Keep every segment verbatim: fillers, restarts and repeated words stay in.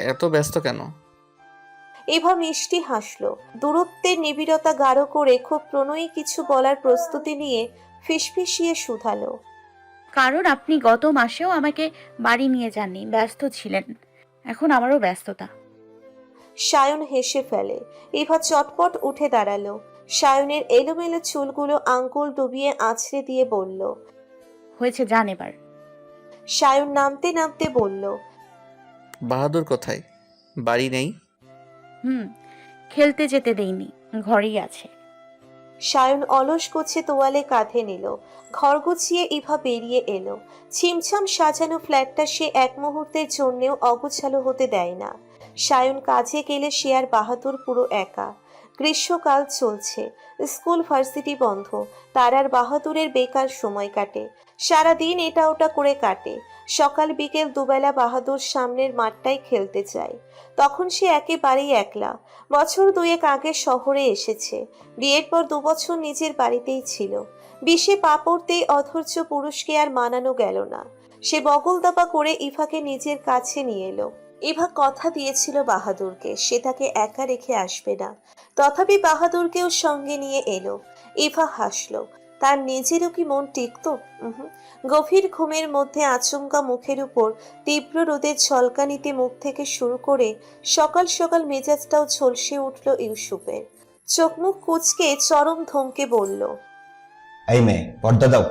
এত ব্যস্ত কেন? ইভা মিষ্টি হাসল। দূরত্বের নিবিড়তা গাঢ় করে খুব প্রণয়ী কিছু বলার প্রস্তুতি নিয়ে ফিসফিসিয়ে শুধালো। কারণ আপনি গত মাসেও আমাকে বাড়ি নিয়ে যাননি, ব্যস্ত ছিলেন। এখন আমারও ব্যস্ততা। সায়ন হেসে ফেলে। ইভা চটপট উঠে দাঁড়ালো। সায়নের এলোমেলো চুলগুলো আঙ্গুল ডুবিয়ে আছড়ে দিয়ে বলল। হয়েছে, যান এবার। সায়ন নামতে নামতে বলল। বাহাদুর কোথায়? বাড়ি নেই? হুম, খেলতে যেতে দেইনি, ঘরেই আছে। সায়ন অলস গোছে তোয়ালে কাঁধে নিল। ঘর গুছিয়ে ইভা বেরিয়ে এলো। ছিমছাম সাজানো ফ্ল্যাটটা সে এক মুহূর্তের জন্যেও অগোছালো হতে দেয় না। সায়ন কাজে গেলে সে আর বাহাদুর পুরো একা। গ্রীষ্মকাল চলছে, স্কুল ভার্সিটি বন্ধ। তার আর বাহাদুরের বেকার সময় কাটে। সারাদিন এটা ওটা করে কাটে। সকাল বিকেল দুবেলা বাহাদুর সামনের মাঠটাই খেলতে চায়। তখন সে একেবারেই একলা। বছর দুয়েক আগে শহরে এসেছে। বিয়ের পর দুবছর নিজের বাড়িতেই ছিল। বিষে পা পড়তেই অধৈর্য পুরুষকে আর মানানো গেল না। সে বগল দাপা করে ইভাকে নিজের কাছে নিয়ে এলো। ইভা কথা দিয়েছিল বাহাদুরকে সে তাকে একা রেখে আসবে না। তথাপি বাহাদুরকেও সঙ্গে নিয়ে এলো। ইভা হাসলো। তার নিজেরও কি মন টিকতো? উহুম। গভীর ঘুমের মধ্যে আচমকা মুখের উপর তীব্র রোদের ঝলকানিতে মুখ থেকে শুরু করে সকাল সকাল মেজাজটাও ঝলসে উঠল ইউসুফের। চোখ মুখ কুঁচকে চরম ধমকে বলল। এই মেয়ে, পর্দা দাও।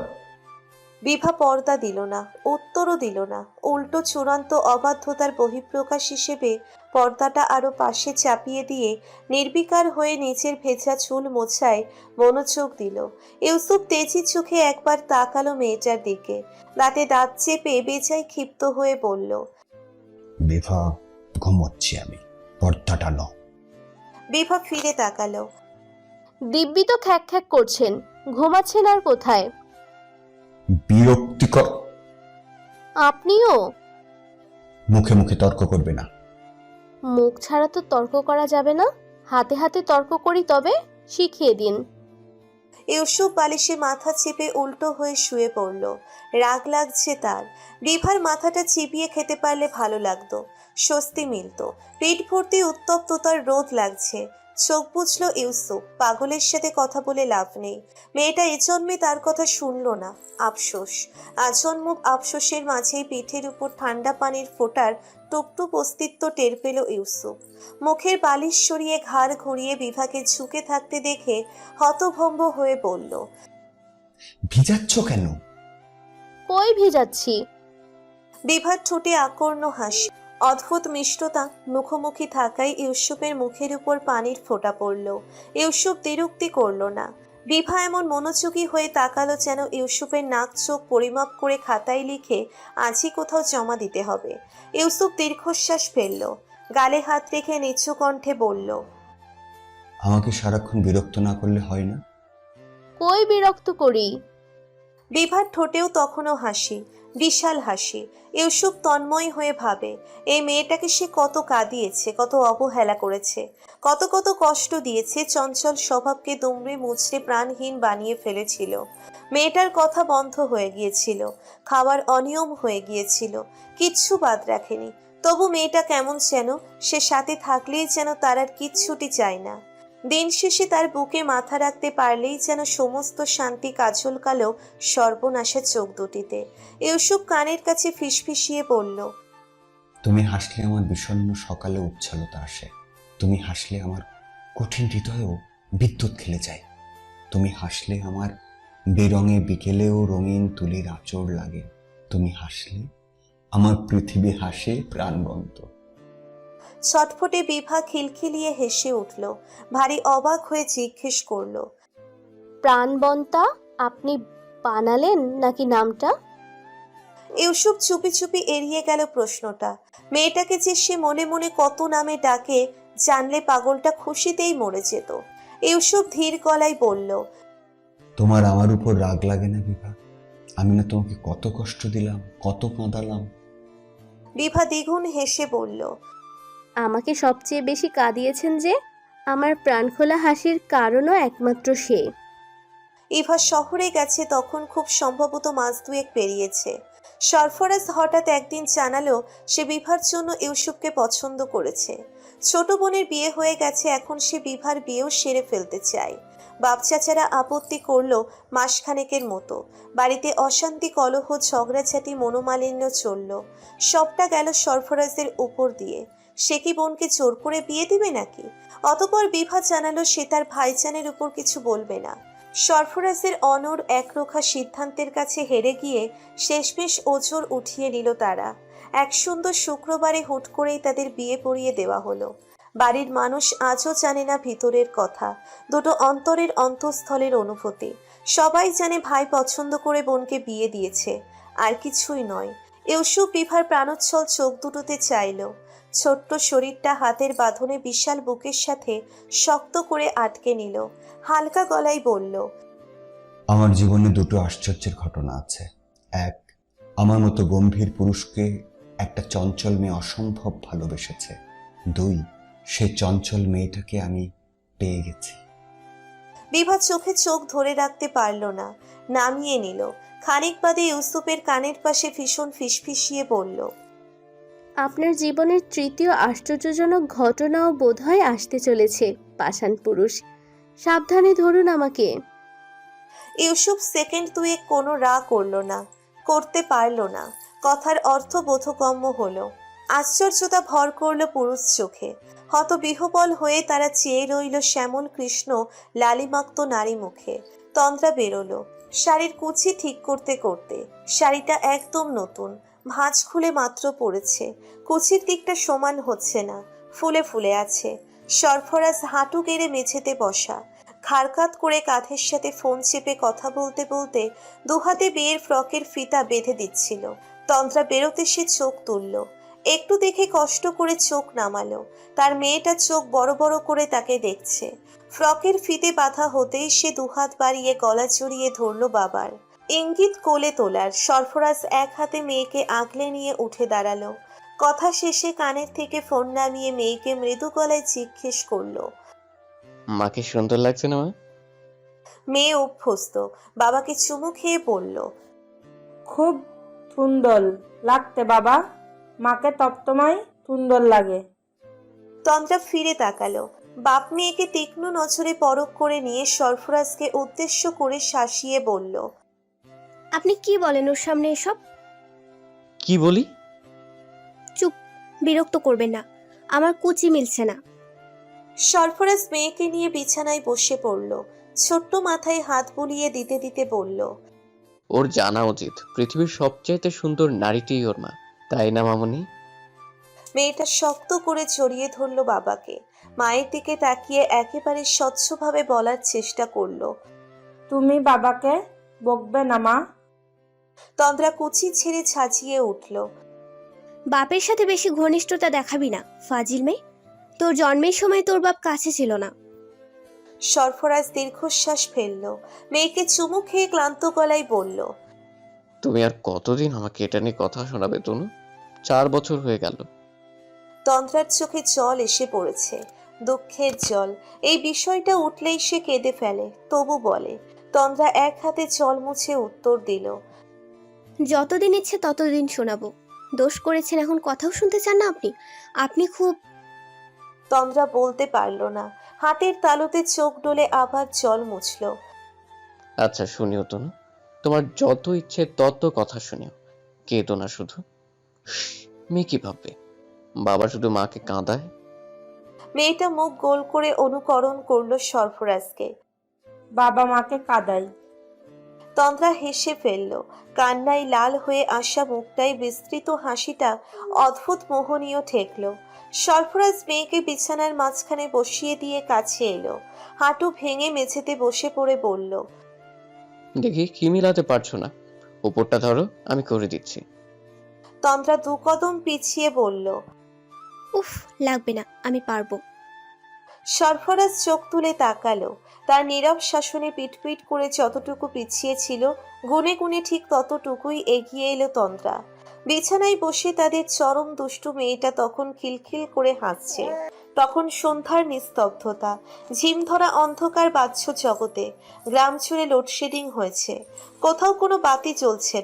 বিভা পর্দা দিল না, উত্তরও দিল না। উল্টো চূড়ান্ত অবাধ্যতার বহিঃপ্রকাশ হিসেবে পর্দাটা আরো পাশে চাপিয়ে দিয়ে নির্বিকার হয়ে নিচের ভেজা চুল মোছায় মনোযোগ দিল। ইউসুফ তেজি চোখে একবার তাকালো মেয়েটার দিকে। দাঁতে দাঁত চেপে বেজায় ক্ষিপ্ত হয়ে বলল। বিভা, ঘুমোচ্ছি আমি, পর্দাটা নাও। বিভা ফিরে তাকালো। দিব্যি তো খ্যাক খ্যাক করছেন, ঘুমাচ্ছেন আর কোথায়? বিরক্তিকর। আপনিও? মুখে মুখে তর্ক করবে না। মুখ ছাড়া তো তর্ক করা যাবে না। হাতে হাতে তর্ক করি, তবে শিখিয়ে দিন। ইউসুফ বালিশে মাথা চেপে উল্টো হয়ে শুয়ে পড়ল। রাগ লাগছে তার। বিভার মাথাটা চিবিয়ে খেতে পারলে ভালো লাগতো, স্বস্তি মিলতো। পেট ভর্তি উত্তপ্ততার রোদ লাগছে। চোখ বুঝল ইউসুফ। পাগলের সাথে কথা বলে লাভ নেই। মেয়েটা এ জন্মে তার কথা শুনল না। আফসোস। আজন্ম আফসোসের মাঝেই পিঠের উপর ঠান্ডা পানির ফোঁটার টুপটুপ অস্তিত্ব টের পেল ইউসুফ। মুখের বালিশ সরিয়ে ঘাড় ঘুরিয়ে বিভাকে ঝুঁকে থাকতে দেখে হতভম্ব হয়ে বলল। ভিজাচ্ছ কেন? কই ভিজাচ্ছি? বিভার ঠোঁটে আকর্ণ হাসি। অদ্ভুত মিষ্টতা মুখোমুখি থাকায় ইউসুফের মুখের উপর পানির ফোঁটা পড়ল। ইউসুফ দ্বিরুক্তি করল না। বিভা এমন মনোযোগী হয়ে তাকালো যেন ইউসুফের নাক চোখ পরিমাপ করে খাতায় লিখে আজই কোথাও জমা দিতে হবে। ইউসুফ দীর্ঘশ্বাস ফেলল। গালে হাত রেখে নিচু কণ্ঠে বলল। আমাকে সারাক্ষণ বিরক্ত না করলে হয় না? কই বিরক্ত করি? বিভার ঠোঁটেও তখনও হাসি, বিশাল হাসি। ইউসুফ তন্ময় হয়ে ভাবে, এই মেয়েটাকে সে কত কাঁদিয়েছে, কত অবহেলা করেছে, কত কত কষ্ট দিয়েছে। চঞ্চল স্বভাবকে দুমড়ে মুচড়ে প্রাণহীন বানিয়ে ফেলেছিল। মেয়েটার কথা বন্ধ হয়ে গিয়েছিল, খাওয়ার অনিয়ম হয়ে গিয়েছিল, কিচ্ছু বাদ রাখেনি। তবু মেয়েটা কেমন যেন, সে সাথে থাকলেই যেন তার আর কিচ্ছুটি চায় না। দিন শেষে তার বুকে মাথা রাখতে পারলেই যেন সমস্ত শান্তি কাজল কালো সর্বনাশা চোখ দুটিতে। ইউসুফ কানের কাছে ফিসফিসিয়ে বলল। তুমি হাসলে আমার বিষণ্ণ সকালে উচ্ছলতা আসে। তুমি হাসলে আমার কঠিন হৃদয়েও বিদ্যুৎ খেলে যায়। তুমি হাসলে আমার বেরঙে বিকেলেও রঙিন তুলির আঁচড় লাগে। তুমি হাসলে আমার পৃথিবী হাসে প্রাণবন্ত। ছটফটে বিভা খিলখিলিয়ে হেসে উঠল। ভারী অবাক হয়ে জিজ্ঞেস করল। প্রাণবন্তা আপনি বানালেন নাকি নামটা? ইউসুফ চুপি চুপি এড়িয়ে গেল প্রশ্নটা। মেয়েটাকে যে সে মনে মনে কত নামে ডাকে জানলে পাগলটা খুশিতেই মরে যেত। ইউসুফ ধীর গলায় বলল। তোমার আমার উপর রাগ লাগে না বিভা? আমি না তোমাকে কত কষ্ট দিলাম, কত কাঁদালাম। বিভা দ্বিগুণ হেসে বলল। আমাকে সবচেয়ে বেশি কাঁদিয়েছেন যে, আমার প্রাণখোলা হাসির কারণও একমাত্র সে। ইভা শহরে গেছে তখন খুব সম্ভবত মাস দুয়েক পেরিয়েছে। সরফরাজ হঠাৎ একদিন জানালো সে বিভার জন্য ইউসুফকে পছন্দ করেছে। ছোট বোনের বিয়ে হয়ে গেছে, এখন সে বিভার বিয়েও সেরে ফেলতে চায়। বাপ চাচারা আপত্তি করলো মাসখানেকের মতো। বাড়িতে অশান্তি, কলহ, ঝগড়াঝাটি, মনোমালিন্য চলল। সবটা গেল সরফরাজের উপর দিয়ে। সে কি বোনকে জোর করে বিয়ে দিবে নাকি? অতপর বিভা জানালো সে তার ভাইজানের উপর কিছু বলবে না। সরফরাজের অনড় একরোখা সিদ্ধান্তের কাছে হেরে গিয়ে শেষমেশ ওজোর উঠিয়ে নিল তারা। এক সুন্দর শুক্রবারে হুট করেই তাদের বিয়ে পড়িয়ে দেওয়া হলো। বাড়ির মানুষ আজও জানে না ভিতরের কথা, দুটো অন্তরের অন্তঃস্থলের অনুভূতি। সবাই জানে ভাই পছন্দ করে বোনকে বিয়ে দিয়েছে, আর কিছুই নয়। ইউসুফ বিভার প্রাণোচ্ছল চোখ দুটোতে চাইল। ছোট্ট শরীরটা হাতের বাঁধনে বিশাল বুকের সাথে শক্ত করে আটকে নিল। হালকা গলায় বলল, আমার জীবনে দুটো আশ্চর্যের ঘটনা আছে। এক, আমার মতো গম্ভীর পুরুষকে একটা চঞ্চল মেয়ে অসম্ভব ভালোবেসেছে। দুই, সে চঞ্চল মেয়েটাকে আমি পেয়ে গেছি। বিভা চোখে চোখ ধরে রাখতে পারল না, নামিয়ে নিল। খানিক বাদে ইউসুফের কানের পাশে ভীষণ ফিসফিসিয়ে বলল, আপনার জীবনের তৃতীয় আশ্চর্যজনক ঘটনাও বোধহয় আসতে চলেছে পাষাণ পুরুষ, সাবধানে ধরুন আমাকে। ইউসুফ সেকেন্ড দুয়ে কোনো রা করল না, করতে পারল না। কথার অর্থ বোধগম্য হলো। আশ্চর্যতা ভর করলো পুরুষ চোখে। হতবিহ্বল হয়ে তারা চেয়ে রইল শ্যামল কৃষ্ণ লালিমাক্ত নারী মুখে। তন্দ্রা বেরোলো শাড়ির কুচি ঠিক করতে করতে। শাড়িটা একদম নতুন, ভাঁজ খুলে মাত্র পড়েছে। কুচির দিকটা সমান হচ্ছে না, ফুলে ফুলে আছে। সরফরাজ হাঁটু গেড়ে মেঝেতে বসা, খাড়কাত করে কাঁধের সাথে ফোন চেপে কথা বলতে বলতে দুহাতে বিয়ের ফ্রকের ফিতা বেঁধে দিচ্ছিল। তন্দ্রা বেরোতে সে চোখ তুলল, একটু দেখে কষ্ট করে চোখ নামালো। তার মেয়েটা চোখ বড় বড় করে তাকে দেখছে। ফ্রকের ফিতে বাঁধা হতেই সে দুহাত বাড়িয়ে গলা জড়িয়ে ধরল বাবার। ইঙ্গিত কোলে তোলার। সরফরাজ এক হাতে মেয়েকে আগলে নিয়ে উঠে দাঁড়ালো। কথা শেষে কানের থেকে ফোন নামিয়ে মেয়েকে মৃদু গলায় জিজ্ঞেস করলো, মাকে সুন্দর লাগছে না মা? মেয়ে অভ্যস্ত, বাবাকে চুমু খেয়ে বলল, খুব সুন্দর লাগতে বাবা, মাকে তপ্তমাই সুন্দর লাগে। তন্দ্রা ফিরে তাকালো। বাপ মেয়েকে তীক্ষ্ণ নজরে পরখ করে নিয়ে সরফরাজকে উদ্দেশ্য করে শাসিয়ে বলল, আপনি কি বলেন ওর সামনে এসব? কি বলি? চুপ, বিরক্ত করবেন না, আমার কুচি মিলছে না। সরফরাজ মেয়েকে নিয়ে বিছানায় বসে পড়ল। ছোট্ট মাথায় হাত বুলিয়ে দিতে দিতে বলল, ওর জানা উচিত পৃথিবীর সবচাইতে সুন্দর নারীটিই ওর মা, তাই না মামনি? মেয়েটা শক্ত করে জড়িয়ে ধরল বাবাকে। মায়ের দিকে তাকিয়ে একেবারে স্বচ্ছভাবে বলার চেষ্টা করলো, তুমি বাবাকে বকবে না মা। তন্দ্রা কুচি ছেড়ে ছাজিয়ে উঠল। বাপের সাথে বেশি ঘনিষ্ঠতা দেখাবি না, ফাজিল মেয়ে। তোর জন্মের সময় তোর বাপ কাছে ছিল না। সরফরাজ দীর্ঘশ্বাস ফেলল। মেয়েকে চুমু খেয়ে ক্লান্ত গলায় বলল, তুমি আর কতদিন আমাকে এটা নিয়ে কথা শোনাবে তনু? চার বছর হয়ে গেল। তন্দ্রার চোখে জল এসে পড়েছে, দুঃখের জল। এই বিষয়টা উঠলেই সে কেঁদে ফেলে, তবু বলে। তন্দ্রা এক হাতে জল মুছে উত্তর দিল, যতদিন ইচ্ছে ততদিন শোনাবো। দোষ করেছেন, এখন কথাও শুনতে চান না আপনি? আপনি খুব... তন্দ্রা বলতে পারল না। হাতের তালুতে চোখ ডলে আবার জল মুছল। আচ্ছা শুনিও তনু, তোমার যত ইচ্ছে তত কথা শুনিও, কেঁদো না শুধু। মেয়ে কি ভাববে? বাবা শুধু মাকে কাঁদায়। মেয়েটা মুখ গোল করে অনুকরণ করলো সরফরাজকে। বাবা মাকে কাঁদাই। তন্দ্রা হেসে ফেলল। কান্নায় লাল হয়ে আসা মুখটায় বিস্তৃত হাসিটা অদ্ভুত মোহনীয় ঠেকল। সরফরাজ মেয়েকে বিছানার মাঝখানে বসিয়ে দিয়ে কাছে এলো। হাঁটু ভেঙে মেঝেতে বসে পড়ে বলল, দেখি কি মিলাতে পারছো না, উপরটা ধরো, আমি করে দিচ্ছি। তন্দ্রা দু কদম পিছিয়ে বলল, উফ, লাগবে না, আমি পারবো। সরফরাজ চোখ তুলে তাকালো। তার নীরব শাসনে পিটপিট করে যতটুকু পিছিয়ে ছিল, গুনে গুনে ঠিক ততটুকুই এগিয়ে এলো তন্দ্রা। বিছানায় বসে তাদের চরম দুষ্টু মেয়েটা তখন খিলখিল করে হাসছে। তখন সন্ধ্যার নিস্তব্ধতা, ঝিমধরা অন্ধকার বাহ্য জগতে। গ্রাম জুড়ে লোডশেডিং হয়েছে, কোথাও কোনো বাতি জ্বলছে না।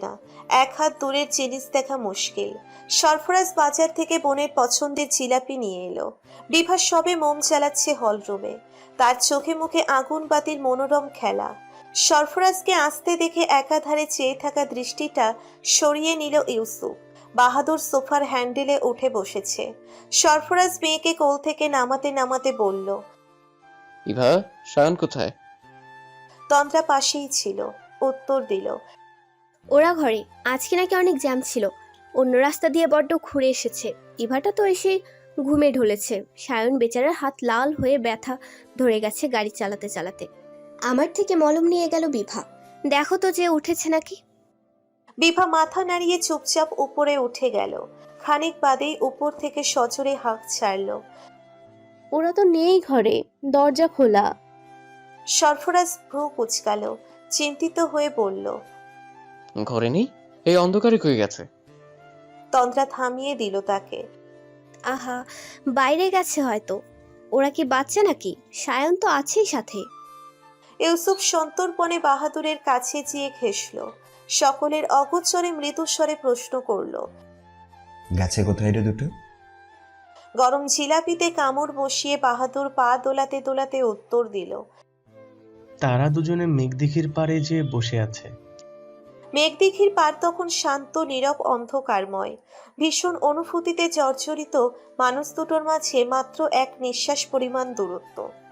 এক হাত দূরের জিনিস দেখা মুশকিল। সরফরাজ বাজার থেকে বোনের পছন্দের জিলাপি নিয়ে এলো। বিভা সবে মোম জ্বালাচ্ছে হলরুমে, তার চোখে মুখে আগুন বাতির মনোরম খেলা। সরফরাজকে আসতে দেখে একাধারে চেয়ে থাকা দৃষ্টিটা সরিয়ে নিল ইউসুফ। বাহাদুর সোফার হ্যান্ডেলে উঠে বসেছে। সরফরাজ মেয়েকে কোল থেকে নামাতে নামাতে বলল, ইভা, সায়ন কোথায়? তন্দ্রা পাশেই ছিল, উত্তর দিল, ওরা ঘরে। আজকে নাকি অনেক জ্যাম ছিল, অন্য রাস্তা দিয়ে বড্ড ঘুরে এসেছে। ইভাটা তো এসে ঘুমে ঢলেছে। সায়ন বেচারার হাত লাল হয়ে ব্যথা ধরে গেছে গাড়ি চালাতে চালাতে। আমার থেকে মলম নিয়ে গেল বিভা, দেখো তো যে উঠেছে নাকি। বিভা মাথা নাড়িয়ে চুপচাপ উপরে উঠে গেল। খানিক বাদেই উপর থেকে সজোরে হাঁক ছাড়ল। ওরা তো নেই ঘরে, দরজা খোলা। সরফরাজ ভ্রু কুচকাল, চিন্তিত হয়ে বলল, ঘরে নেই? এই অন্ধকারে কই গেছে? তন্দ্রা থামিয়ে দিল তাকে। আহা, বাইরে গেছে হয়তো। ওরা কি বাচ্চা নাকি? সায়ন তো আছেই সাথে। ইউসুফ সন্তর্পণে বাহাদুরের কাছে গিয়ে ঘেঁষল। সকলের অগোচরে মৃদুস্বরে প্রশ্ন করল। গেছে কোথায় রে দুটো? গরম জিলাপিতে কামড় বসিয়ে বাহাদুর পা দোলাতে দোলাতে উত্তর দিল, তারা দুজনে মেঘদিঘির পাড়ে যে বসে আছে। মেঘদিঘির পার তখন শান্ত, নীরব, অন্ধকারময়। ভীষণ অনুভূতিতে জর্জরিত মানুষ দুটোর মাঝে মাত্র এক নিঃশ্বাস পরিমাণ দূরত্ব।